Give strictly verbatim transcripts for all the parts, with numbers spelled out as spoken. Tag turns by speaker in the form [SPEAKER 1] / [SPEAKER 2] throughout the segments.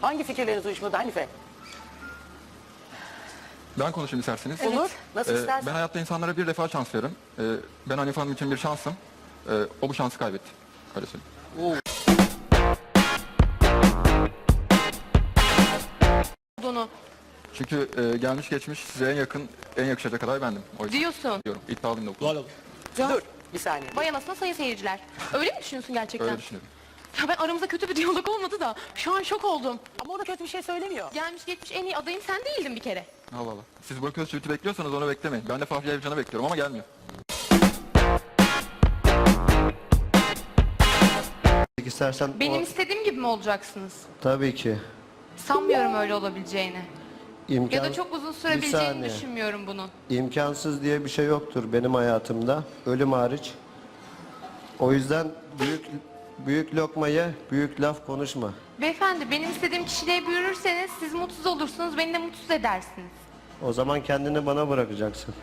[SPEAKER 1] Hangi fikirleriniz uyuşmadı Hanife?
[SPEAKER 2] Ben konuşayım isterseniz.
[SPEAKER 1] Evet. Olur. Nasıl
[SPEAKER 2] Ee,
[SPEAKER 1] istersen.
[SPEAKER 2] ben hayatta insanlara bir defa şans veririm. Ee, ben Hanife Hanım için bir şansım. Ee, o bu şansı kaybetti. Öyle söyleyeyim.
[SPEAKER 3] Olduğunu
[SPEAKER 2] Çünkü e, gelmiş geçmiş size en yakın, en yakışacak aday bendim. O yüzden
[SPEAKER 3] diyorsun.
[SPEAKER 2] diyorum. İddialıyım da bu.
[SPEAKER 1] Dur bir saniye.
[SPEAKER 3] Vay anasına sayın seyirciler. Öyle mi düşünüyorsun gerçekten?
[SPEAKER 2] Öyle düşünüyorum.
[SPEAKER 3] Ya ben aramızda kötü bir diyalog olmadı da şu an şok oldum.
[SPEAKER 1] Ama o da kötü bir şey söylemiyor.
[SPEAKER 3] Gelmiş geçmiş en iyi adayım sen değildin bir kere.
[SPEAKER 2] Allah Allah. Siz Burak Özçivit'i bekliyorsanız onu beklemeyin. Ben de Fahri Evcan'ı bekliyorum ama gelmiyor.
[SPEAKER 4] İstersen
[SPEAKER 3] Benim
[SPEAKER 4] o-
[SPEAKER 3] istediğim gibi mi olacaksınız?
[SPEAKER 4] tabii ki
[SPEAKER 3] Sanmıyorum öyle olabileceğini.
[SPEAKER 4] imkan,
[SPEAKER 3] Ya da çok uzun
[SPEAKER 4] Bir
[SPEAKER 3] sürebileceğini
[SPEAKER 4] saniye.
[SPEAKER 3] düşünmüyorum bunun.
[SPEAKER 4] imkansız diye bir şey yoktur benim hayatımda, ölüm hariç. O yüzden büyük büyük lokmayı büyük laf konuşma.
[SPEAKER 3] Beyefendi benim istediğim kişiliğe bürünürseniz siz mutsuz olursunuz, beni de mutsuz edersiniz.
[SPEAKER 4] O zaman kendini bana bırakacaksın.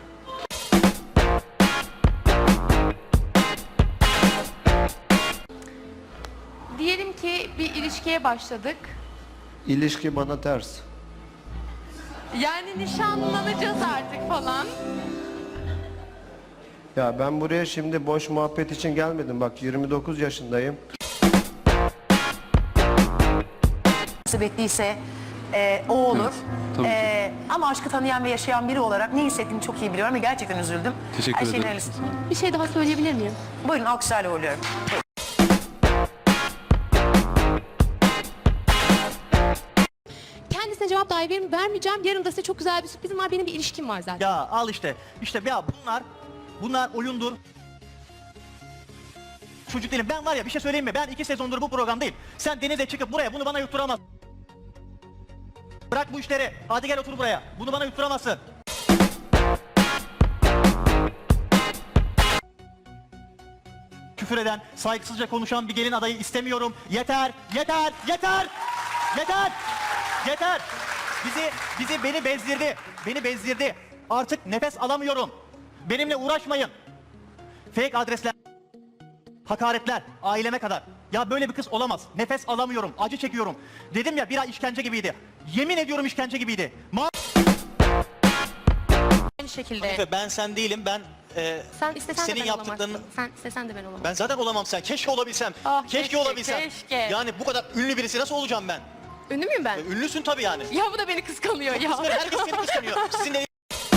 [SPEAKER 3] Diyelim ki bir ilişkiye başladık.
[SPEAKER 4] İlişki bana ters.
[SPEAKER 3] Yani nişanlanacağız artık falan.
[SPEAKER 4] Ya ben buraya şimdi boş muhabbet için gelmedim. Bak yirmi dokuz yaşındayım.
[SPEAKER 5] Bekliyse e, o olur.
[SPEAKER 2] tabii ki.
[SPEAKER 5] E, ama aşkı tanıyan ve yaşayan biri olarak ne hissettiğimi çok iyi biliyorum ve gerçekten üzüldüm.
[SPEAKER 2] Teşekkür
[SPEAKER 5] Her şeyin
[SPEAKER 2] ederim.
[SPEAKER 5] hayırlısı.
[SPEAKER 3] Bir şey daha söyleyebilir miyim?
[SPEAKER 5] Buyurun alkışlarla uğurluyorum.
[SPEAKER 3] Kendisine cevap dahi verim- vermeyeceğim. Yarın da size çok güzel bir sürprizim var. Benim bir ilişkim var zaten.
[SPEAKER 6] Ya al işte. İşte ya bunlar bunlar oyundur. Çocuk değilim. Ben var ya bir şey söyleyeyim mi? Ben iki sezondur bu programdayım. Sen denize çıkıp buraya bunu bana yutturamazsın. Bırak bu işleri. Hadi gel otur buraya. Bunu bana yutturamazsın. Küfür eden, saygısızca konuşan bir gelin adayı istemiyorum. Yeter, yeter, yeter, yeter, yeter. Bizi, bizi beni bezdirdi, beni bezdirdi. Artık nefes alamıyorum. Benimle uğraşmayın. Fake adresler, hakaretler, aileme kadar. Ya böyle bir kız olamaz. Nefes alamıyorum, acı çekiyorum. Dedim ya bir ay işkence gibiydi. Yemin ediyorum işkence gibiydi. Ma
[SPEAKER 3] Aynı şekilde.
[SPEAKER 6] Hanife, ben sen değilim, ben e,
[SPEAKER 3] Sen istesen
[SPEAKER 6] senin
[SPEAKER 3] de ben
[SPEAKER 6] yaptıklarını...
[SPEAKER 3] olamazsın. Sen istesen de ben olamam.
[SPEAKER 6] Ben zaten olamam sen. Keşke olabilsem.
[SPEAKER 3] Ah,
[SPEAKER 6] keşke,
[SPEAKER 3] keşke,
[SPEAKER 6] olabilsem.
[SPEAKER 3] keşke.
[SPEAKER 6] Yani bu kadar ünlü birisi nasıl olacağım ben?
[SPEAKER 3] Ünlü müyüm ben?
[SPEAKER 6] Ünlüsün tabii yani.
[SPEAKER 3] Ya bu da beni kıskanıyor ya.
[SPEAKER 6] Herkes seni kıskanıyor. Sizin de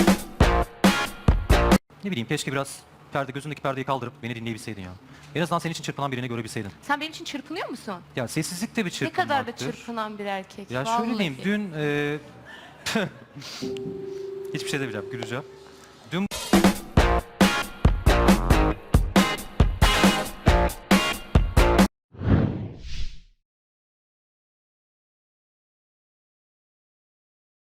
[SPEAKER 7] Ne bileyim keşke biraz perde gözündeki perdeyi kaldırıp beni dinleyebilseydin ya. En azından senin için çırpınan birini görebilseydin.
[SPEAKER 3] Sen benim için çırpınıyor musun?
[SPEAKER 7] Ya sessizlik de bir
[SPEAKER 3] Ne
[SPEAKER 7] çırpınmaktır.
[SPEAKER 3] kadar da çırpınan bir erkek.
[SPEAKER 7] Ya şöyle
[SPEAKER 3] vallahi.
[SPEAKER 7] diyeyim dün e... hiçbir şey demeyeceğim güleceğim.